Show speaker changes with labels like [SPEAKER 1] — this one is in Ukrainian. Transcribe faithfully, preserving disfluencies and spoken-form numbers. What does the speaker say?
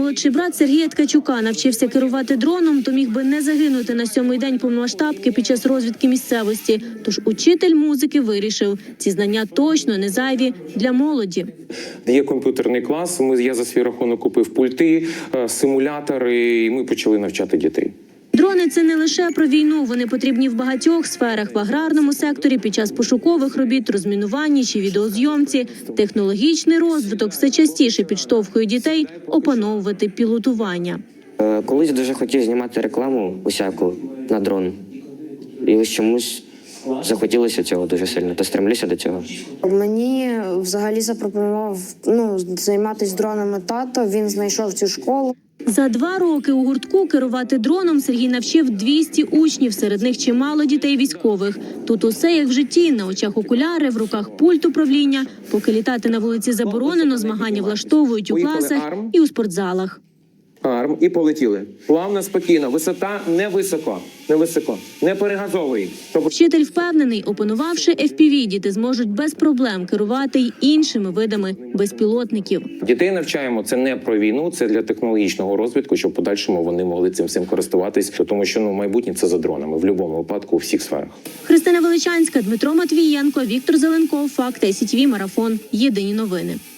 [SPEAKER 1] молодший брат Сергія Ткачука навчився керувати дроном, то міг би не загинути на сьомий день повномасштабки під час розвідки місцевості. Тож учитель музики вирішив, ці знання точно не зайві для молоді.
[SPEAKER 2] Є комп'ютерний клас, ми, я за свій рахунок купив пульти, симулятори, і ми почали навчати дітей.
[SPEAKER 1] Дрони – це не лише про війну, вони потрібні в багатьох сферах, в аграрному секторі, під час пошукових робіт, розмінуванні чи відеозйомці. Технологічний розвиток все частіше підштовхує дітей опановувати пілотування.
[SPEAKER 3] Колись дуже хотів знімати рекламу усяку на дрон. І ось чомусь захотілося цього дуже сильно, та стремлюся до цього.
[SPEAKER 4] Мені взагалі запропонував ну, займатися дронами тато, він знайшов цю школу.
[SPEAKER 1] За два роки у гуртку керувати дроном Сергій навчив двісті учнів, серед них чимало дітей військових. Тут усе як в житті, на очах окуляри, в руках пульт управління. Поки літати на вулиці заборонено, змагання влаштовують у класах і у спортзалах.
[SPEAKER 2] Арм, і полетіли. Плавно, спокійно. Висота не високо, не високо. Не перегазовуй. Щоб...
[SPEAKER 1] Вчитель впевнений, опанувавши еф пі ві, діти зможуть без проблем керувати й іншими видами безпілотників.
[SPEAKER 2] Дітей навчаємо, це не про війну, це для технологічного розвитку, щоб в подальшому вони могли цим всім користуватись, тому що ну, майбутнє – це за дронами, в будь-якому випадку, у всіх сферах.
[SPEAKER 1] Христина Величанська, Дмитро Матвієнко, Віктор Зеленков, Факти, ес ті ві, Марафон. Єдині новини.